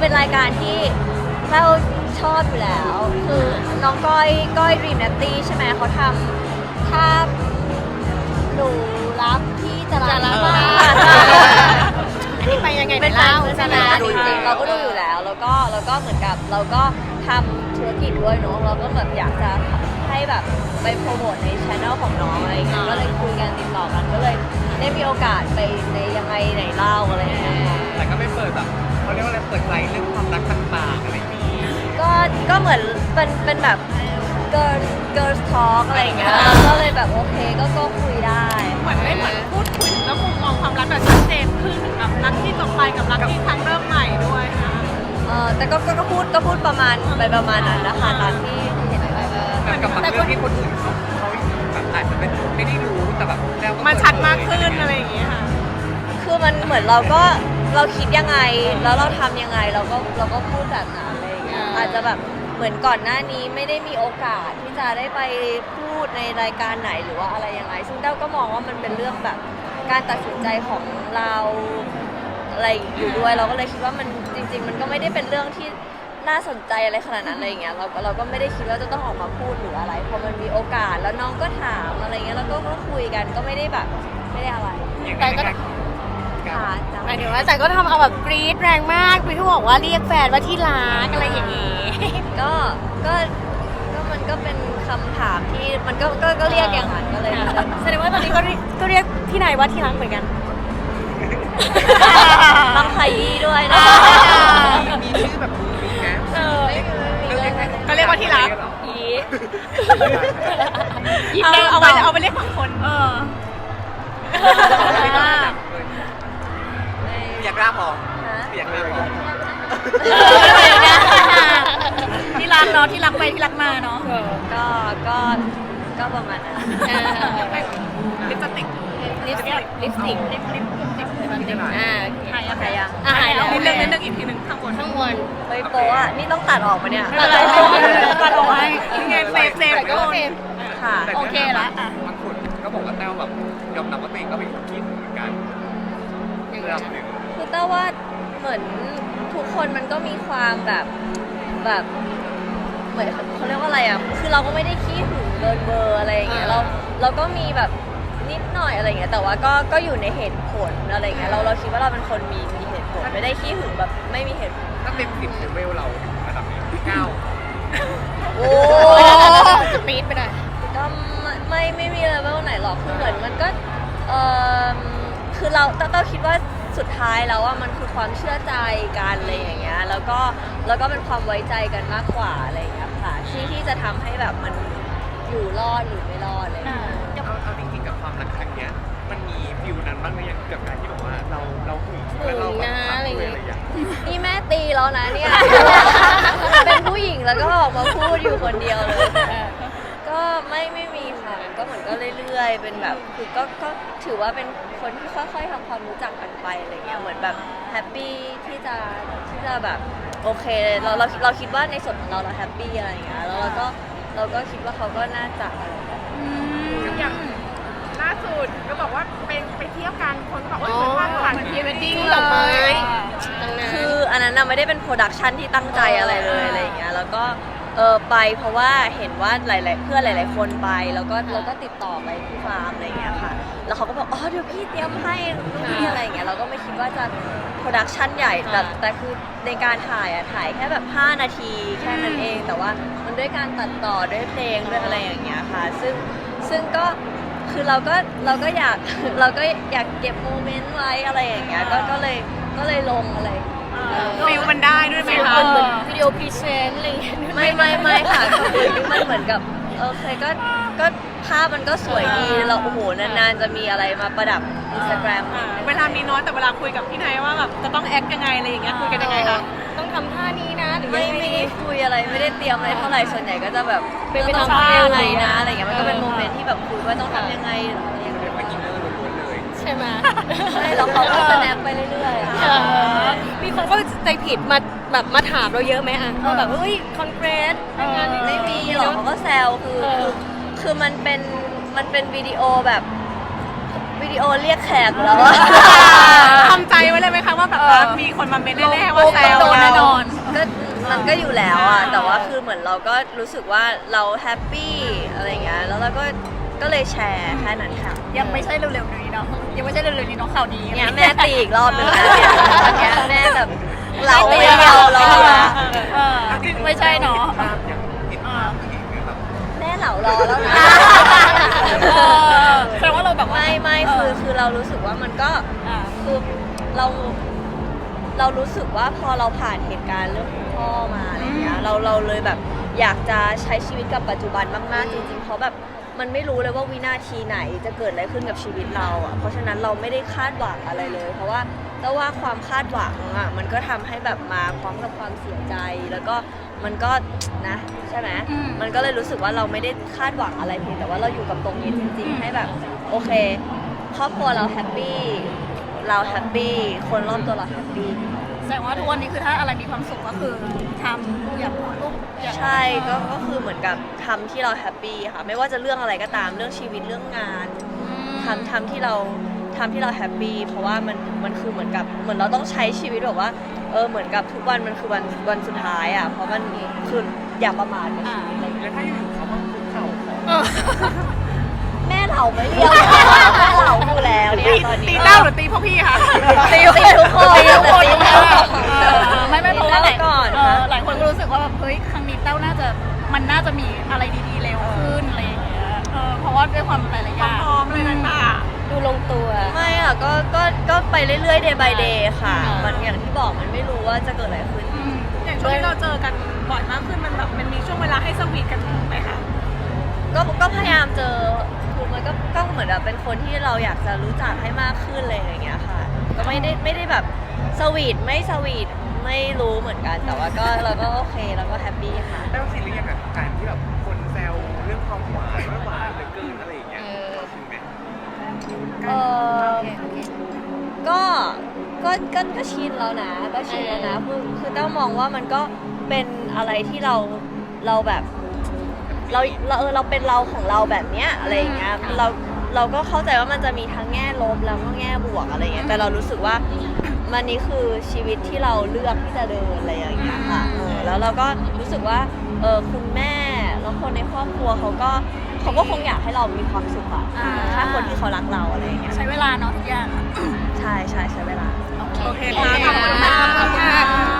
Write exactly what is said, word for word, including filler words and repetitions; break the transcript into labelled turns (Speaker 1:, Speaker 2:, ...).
Speaker 1: เป็นรายการที่เราชอบอยู่แล้วคือน้องก้อยก้อยรีมนัตตี้ใช่ไหมเขาทำถ้าหนูรักพี่จะรักมาก
Speaker 2: อันนี้ไปยังไง
Speaker 1: เป็นแฟน
Speaker 2: เล่า
Speaker 1: ใช่ไหมจริงๆเราก็ดูอยู่แล้วแล้วก็แล้วก็เหมือนกับเราก็ทำธุรกิจด้วยเนาะเราก็แบบอยากจะให้แบบไปโปรโมทในช่องของน้องอะไรอย่างเงี้ยก็เลยคุยกันติดต่อกันก็เลยได้มีโอกาสไปในยังไงไหนเล่าอะไรอย่างเงี้ย
Speaker 3: แต่ก็ไม่เปิดแบบเขาเรียกว่าอะไรเปิดใจเรื่องความรักต่างๆอะไรอย่างนี้
Speaker 1: ก็ก็เหมือนเป็นเป็นแบบ girl girls talk อะไรอย่างเงี้ยก็เลยแบบโอเคก็ก็คุยได้
Speaker 2: เหมือนได้เหมือนพูดคุยถึงแล้วมุมมองความรักแบบชัดเจนขึ้นถึงแบบรักที่จบไปกับรักที่ครั้งเริ่มใหม่ด้วยนะ
Speaker 1: เออแต่ก็ก็ก็พูดก็พูดประมาณไปประมาณนั้นนะคะตามที่เห็นไป
Speaker 3: แต่กับบางเรื่องที่คนอื่นเขาเขาแบบอาจจะไม่ไม่ได้รู้แต่แบบแล้วก็
Speaker 2: มันชัดมากขึ้นอะไรอย่างเงี้ยค่ะ
Speaker 1: คือมันเหมือนเราก็เราคิดยังไงแล้วเราทำยังไงเราก็เราก็พูดแบบนั้นอะไรอย่างเงี้ยอาจจะแบบเหมือนก่อนหน้านี้ไม่ได้มีโอกาสที่จะได้ไปพูดในรายการไหนหรือว่าอะไรยังไงซึ่งเต้าก็มองว่ามันเป็นเรื่องแบบการตัดสินใจของเราอะไรอยู่ด้วยเราก็เลยคิดว่ามันจริง ๆ มันก็ไม่ได้เป็นเรื่องที่น่าสนใจอะไรขนาดนั้นอะไรอย่างเงี้ยเราก็เราก็ไม่ได้คิดว่าจะต้องออกมาพูดหรืออะไรพอมันมีโอกาสแล้วน้องก็ถามอะไรเงี้ยแล้วก็ก็คุยกันก็ไม่ได้แบบไม่ได้อะไร
Speaker 2: แต่ก็
Speaker 1: ค่ะจ้ะ
Speaker 2: หมายถึงว่าแต่ก็ทำเอาแบบกรี๊ดแรงมากพี่ที่บอกว่าเรียกแฟนว่าที่รักอะไรอย่างงี้
Speaker 1: ก็ก็ก็มันก็เป็นคำถามที่มันก็ก็ก็เรียกอย่างนั้นก็เลย
Speaker 2: แสดงว่าตอนนี้ก็เรียกก็เรียกพี่นายว่าที่รักเหมือนกัน
Speaker 1: ต้องขยี้ด้วยนะ
Speaker 3: มีชื่อแบบนี้นะ
Speaker 2: เออ
Speaker 1: ไม่มีเลยนะ
Speaker 2: ก็เรียกว่าที่รัก
Speaker 1: อี
Speaker 2: เอาเอาไปเอาไปเรียกของคนเออ
Speaker 3: อยากร่าพอ
Speaker 1: ฮะ
Speaker 3: อยากร่าพอ
Speaker 2: ที่รักเนาะที่รักไปที่รักมาเนาะ
Speaker 1: ก็ก็ก็ประมาณนั้น
Speaker 2: ลิปสติก
Speaker 1: ลิปสติกลิปสติก
Speaker 2: ลิปลิปลิปลิป
Speaker 1: อ่า
Speaker 2: หายยัง
Speaker 1: ใครยัง
Speaker 2: อ่ะหายแล้วนิดนึงนิดนึงอีกทีหนึ่งข้างบนข้างบน
Speaker 1: เฮ้ยโป๊ะอ่ะนี่ต้องตัดออกปะเนี่ย
Speaker 2: ตัดออกตัดออกให้ยังไงเซฟเซฟก็เซฟ
Speaker 1: ค่ะ
Speaker 2: โอเคละอ่ะ
Speaker 3: บางคนก็บอกว่าแต้วแบบยอมรับว่าตัวเองก็เป็นคนคิดเหมือนกันระดับหนึ่ง
Speaker 1: คือเต้าว่าเหมือนทุกคนมันก็มีความแบบแบบเหมือนเขาเรียกว่าอะไรอ่ะคือเราก็ไม่ได้ขี้หึงเกินเบอร์อะไรอย่างเงี้ยเราเราก็มีแบบนิดหน่อยอะไรอย่างเงี้ยแต่ว่าก็ก็อยู่ในเหตุผลอะไรอย่างเงี้ยเราเราคิดว่าเราเป็นคนมีมีเหตุผลไม่ได้ขี้หึงแบบไม่มีเหตุผล
Speaker 3: ถ้าเต็มสิบเลเวลเราระดับนี้เก้า
Speaker 1: โอ้
Speaker 2: สปีดไปหน่อย
Speaker 1: ก็ไม่ไม่ไม่มีเลเวลไหนหรอกคือเหมือนมันก็เออคือเราเต้าคิดว่าสุดท้ายแล้วว่ามันคือความเชื่อใจกันอะไรอย่างเงี้ยแล้วก็แล้วก็เป็นความไว้ใจกันมากกว่าอะไรอย่างเงี้ยค่ะที่ที่จะทำให้แบบมันอยู่รอดหรือไม่รอดอะไรอย่างเงี้ย
Speaker 3: เอาเอาจริงๆกับความรักครั้งเนี้ยมันมีฟิลนั้นบ้างไหมยังกับการที่แบบว่าเราเราหึงแล้วเราแบบทำอะไรอย่างเงี้ย
Speaker 1: นี่แม่ตีแล้วนะเนี่ย เป็นผู้หญิงแล้วก็ออกมาพูดอยู่คนเดียวเลย ก็ไม่ไม่มีค่ะก็เหมือนก็เรื่อยๆ เป็นแบบคือก็ก็ถือว่าเป็นคนที่ค่อยๆทำความรู้จักกันไปอะไรเงี้ยเหมือนแบบแฮปปี้ที่จะที่จะแบบโอเคเราเราเราคิดว่าในส่วนของเราเราแฮปปี้อะไรเงี้ยแล้วเราก็เราก็คิดว่าเขาก็น่าจะอะไรแบบนี้
Speaker 2: อย่างล่าสุดก็บอกว่าไปไปเที่ยวกันคนก็บอกว่าเหมือนภาพถ่ายพรีเวดดิ้งเลย
Speaker 1: คืออันนั้นน่ะไม่ได้เป็นโปรดักชันที่ตั้งใจอะไรเลยอะไรอย่างเงี้ยแล้วก็เออไปเพราะว่าเห็นว่าหลาย ๆ เพื่อนหลาย ๆ คนไปแล้วก็แล้วก็ติดต่อไปที่ฟาร์มอะไรอย่างเงี้ยค่ะแล้วเขาก็บอกอ๋อเดี๋ยวพี่เตรียมให้นู่นนี่อะไรอย่างเงี้ยเราก็ไม่คิดว่าจะโปรดักชันใหญ่แต่แต่คือในการถ่ายอะถ่ายแค่แบบห้านาทีแค่นั้นเองแต่ว่ามันด้วยการตัดต่อด้วยเพลงด้วยอะไรอย่างเงี้ยค่ะซึ่งซึ่งก็คือเราก็เราก็อยาก เราก็อยากเก็บโมเมนต์ไว้อะไรอย่างเงี้ยก็ก็เลยก็เลยลงอะไร
Speaker 2: ฟิลมันได้ด้วยไหมคะ
Speaker 1: วิดีโอพรีเซนต์อะไรอย่างเงี้ยไม่ไม่ไม่ค่ะคือมันเหมือนกับโอเคก็ก็ภาพมันก็สวยดีเราโอ้โหนานๆจะมีอะไรมาประดับอินสตาแกรม
Speaker 2: เวลามีน้อยแต่เวลาคุยกับพี่นายว่าแบบจะต้องแอคยังไงอะไรอย่างเงี้ยคุยกันยังไงคะต้องทำท่านี้นะหรือ
Speaker 1: ไม่
Speaker 2: ยัง
Speaker 1: ไม่
Speaker 2: ไง
Speaker 1: ได้คุยอะไรไม่ได้เตรียมอะไรเท่าไหร่ส่วนใหญ่ก็จะแบบ
Speaker 2: เป็นไป
Speaker 1: ต้
Speaker 2: ตา
Speaker 1: อ
Speaker 2: ม
Speaker 1: ง
Speaker 2: ภาพ
Speaker 1: ทำยังไงนะอะไรอย่างเงี้ยมันก็เป็นโมเมนต์ที่แบบคุยว่าต้องทำยังไงอะไรอย่างเงี้ย
Speaker 3: ไปกินเนอร์ล้วนๆเลย
Speaker 2: ใช่ไหม
Speaker 1: ใช่แล้วเขาก็สแนปไปเรื่อยๆอะ
Speaker 2: มีคนก็ใจผิดมาแบบมาถามเราเยอะไหมอ่ะว่าแบบเฮ้ยคอนเกรสงานนี้
Speaker 1: ไม่มีหรอกเขาก็แซวคือคือคือมันเป็นมันเป็นวิดีโอแบบวิวิดีโอเรียกแขกแล้วอะ
Speaker 2: ทำใจไว้เลยไหมคะว่าแบบว่ามีคนมาเมนแน่ๆว่าแซว
Speaker 4: โดนแน่นอน
Speaker 1: ก็มันก็อยู่แล้วอะแต่ว่าคือเหมือนเราก็รู้สึกว่าเราแฮปปี้อะไรเงี้ยแล้วเราก็ก็เลยแชร์แค่นั้นค่ะ
Speaker 4: ยังไม่ใช่เร็วๆนี้เนาะยังไม่ใช่เร็วๆนี้เนาะข่าวดี
Speaker 1: เนี่ยแม่ตีอีกรอบหนึ่งแล้วเนี่ยตอนเนี้ยแม่แบบเราไม่เอาเราอะ
Speaker 4: เออไม่ใช่เนาะ
Speaker 3: ภาพยังติดภาพผู้หญิงเนี่ยแบบ
Speaker 1: แม่เหลารอแล้วนะ
Speaker 4: เออแสดงว่าเราแบบว่า
Speaker 1: ไม่ไม่คือคือเรารู้สึกว่ามันก็
Speaker 4: อ่า
Speaker 1: คือเราเรารู้สึกว่าพอเราผ่านเหตุการณ์เรื่องคุณพ่อมาอะไรเงี้ยเราเราเลยแบบอยากจะใช้ชีวิตกับปัจจุบันมากๆจริงๆเพราะแบบมันไม่รู้เลยว่าวินาทีไหนจะเกิดอะไรขึ้นกับชีวิตเราอ่ะเพราะฉะนั้นเราไม่ได้คาดหวังอะไรเลย เพราะว่าแต่ว่าความคาดหวังอ่ะมันก็ทำให้แบบมาพร้อมกับความเสียใจแล้วก็มันก็นะใช่ไหม
Speaker 4: อืม
Speaker 1: มันก็เลยรู้สึกว่าเราไม่ได้คาดหวังอะไรเพียงแต่ว่าเราอยู่กับตรงนี้จริง ๆ ให้แบบโอเคครอบครัวเราแฮปปี้เราแฮปปี้คนรอบตัวเราแฮปปี้
Speaker 4: แสดงว่าทุกวันนี้คือถ้าอะไรมีความสุขก็คือทำอย่าพูดลูกอย่า
Speaker 1: ใช่ก็ก็คือเหมือนกับทำที่เราแฮปปี้ค่ะ ไม่ว่าจะเรื่องอะไรก็ตามเรื่องชีวิตเรื่องงาน
Speaker 4: อืม
Speaker 1: ทำทำที่เราทำที่เราแฮปปี้เพราะว่ามันมันคือเหมือนกับเหมือนเราต้องใช้ชีวิตแบบว่าเออเหมือนกับทุกวันมันคือวันวันสุดท้ายอ่ะเพราะมันคืออย่าประมาทกับชีวิตอะไรอย่างเงี้ย
Speaker 3: แล้วถ้าอยู่ๆเขามาคุกเข่าขอ
Speaker 4: เออ
Speaker 1: แม่เหล่าไม่เรียกแม่เหล่าอยู่แล้วเนี่ย
Speaker 2: ตี
Speaker 1: ตอนนี้
Speaker 2: ตีเต้าหรือตีพวกพี่คะ
Speaker 1: ตีตีทุกคน
Speaker 4: ตีทุกคน
Speaker 1: ตีทุกคน
Speaker 4: เออไม่ไม่เพราะว่าหลาย
Speaker 1: ก่อน
Speaker 4: เออหลายคนก็รู้สึกว่าแบบเฮ้ยครั้งนี้เต้าน่าจะมันน่าจะมีอะไรดีๆเร็วขึ้นอะไรอย่างเงี้ยเออเพราะว่าด้วยความหลายๆอย่าง
Speaker 2: พร้อมเลยต่าง
Speaker 4: ดูลงตัว
Speaker 1: ไม่อ่ะก็ก็ก็ไปเรื่อยๆ day by day ค่ะ
Speaker 4: อ่ามั
Speaker 1: มันอย่างที่บอกมันไม่รู้ว่าจะเกิดอะไรขึ้น
Speaker 4: อืม
Speaker 2: ๆอย่างช่วงที่เราเจอกันบ่อยมากขึ้นมันแบบมันมีช่วงเวลาให้สวีทกันไหมคะ
Speaker 1: ก็ก็พยายามเจอคือมันก็ก็เหมือนแบบเป็นคนที่เราอยากจะรู้จักให้มากขึ้นเลยอย่างเงี้ยค่ะ ก็ไม่ได้ไม่ได้แบบสวีทไม่สวีทไม่รู้เหมือนกัน แต่ว่าก็เราก็โอเคเราก็แฮปปี้ค่ะ
Speaker 3: แล้วซีรีส์ยังไงการที่แบบคนแซวเรื่องความหวานว่าหวานเหลือเกินอะไรอย่างเงี้ย
Speaker 4: เออ
Speaker 3: เราถึงไหม
Speaker 1: เออก็ก็ก็ก็ชินแล้วนะ ก็ชินแล้วนะคือคือต้องมองว่ามันก็เป็นอะไรที่เราเราแบบ เราเราเออเราเป็นเราของเราแบบเนี้ยอะไรอย่างเงี้ยเราเราก็เข้าใจว่ามันจะมีทั้งแง่ลบแล้วก็แง่บวกอะไรเงี้ยแต่เรารู้สึกว่ามันนี้คือชีวิตที่เราเลือกที่จะเดินอะไรอย่างเงี้ยค่ะเออแล้วเราก็รู้สึกว่าเออคุณแม่แล้วคนในครอบครัวเขาก็เขาก็คงอยากให้เรามีความสุขอะ
Speaker 4: อ่า
Speaker 1: ถ้าคนที่เขารักเราอะไรอย่างเงี้ย
Speaker 4: ใช้เวลาเนาะทุกอย่าง
Speaker 1: ใช่ใช่ใช้เวลา
Speaker 4: โอเค
Speaker 2: โอเคค่ะขอบคุณค่ะ